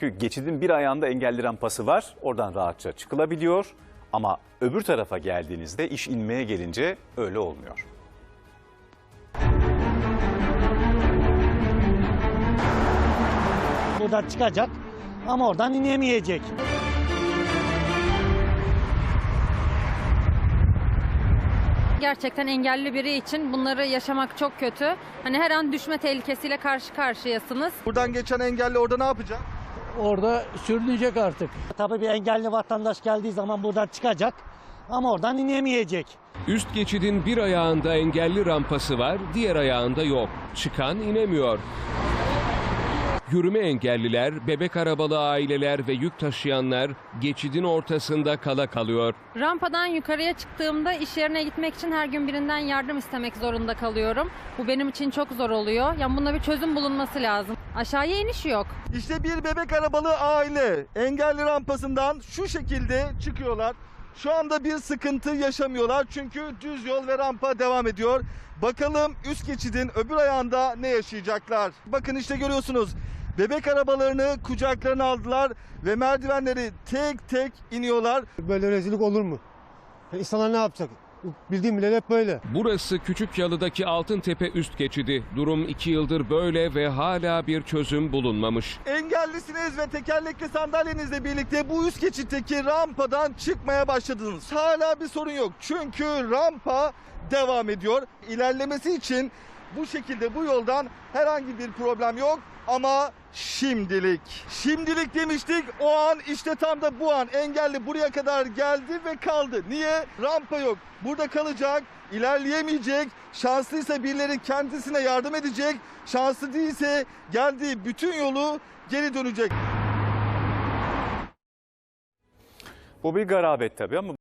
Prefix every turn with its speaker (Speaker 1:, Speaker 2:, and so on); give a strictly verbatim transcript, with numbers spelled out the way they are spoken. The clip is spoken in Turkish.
Speaker 1: Çünkü geçidin bir ayağında engelli rampası var. Oradan rahatça çıkılabiliyor. Ama öbür tarafa geldiğinizde iş inmeye gelince öyle olmuyor.
Speaker 2: Buradan çıkacak ama oradan inemeyecek.
Speaker 3: Gerçekten engelli biri için bunları yaşamak çok kötü. Hani her an düşme tehlikesiyle karşı karşıyasınız.
Speaker 4: Buradan geçen engelli orada ne yapacak?
Speaker 2: Orada sürünecek artık. Tabii bir engelli vatandaş geldiği zaman buradan çıkacak ama oradan inemeyecek.
Speaker 5: Üst geçidin bir ayağında engelli rampası var, diğer ayağında yok. Çıkan inemiyor. Yürüme engelliler, bebek arabalı aileler ve yük taşıyanlar geçidin ortasında kala kalıyor.
Speaker 3: Rampadan yukarıya çıktığımda iş yerine gitmek için her gün birinden yardım istemek zorunda kalıyorum. Bu benim için çok zor oluyor. Yani buna bir çözüm bulunması lazım. Aşağıya iniş yok.
Speaker 4: İşte bir bebek arabalı aile engelli rampasından şu şekilde çıkıyorlar. Şu anda bir sıkıntı yaşamıyorlar çünkü düz yol ve rampa devam ediyor. Bakalım üst geçidin öbür ayağında ne yaşayacaklar? Bakın işte görüyorsunuz. Bebek arabalarını kucaklarına aldılar ve merdivenleri tek tek iniyorlar.
Speaker 6: Böyle rezillik olur mu? İnsanlar ne yapacak? Bildiğim bile hep böyle.
Speaker 5: Burası Küçükyalı'daki Altıntepe üst geçidi. Durum iki yıldır böyle ve hala bir çözüm bulunmamış.
Speaker 4: Engellisiniz ve tekerlekli sandalyenizle birlikte bu üst geçitteki rampadan çıkmaya başladınız. Hala bir sorun yok çünkü rampa devam ediyor. İlerlemesi için bu şekilde bu yoldan herhangi bir problem yok ama şimdilik. Şimdilik demiştik, o an işte tam da bu an engelli buraya kadar geldi ve kaldı. Niye? Rampa yok. Burada kalacak, ilerleyemeyecek. Şanslıysa birileri kendisine yardım edecek. Şanslı değilse geldiği bütün yolu geri dönecek.
Speaker 1: Bu bir garabet tabii ama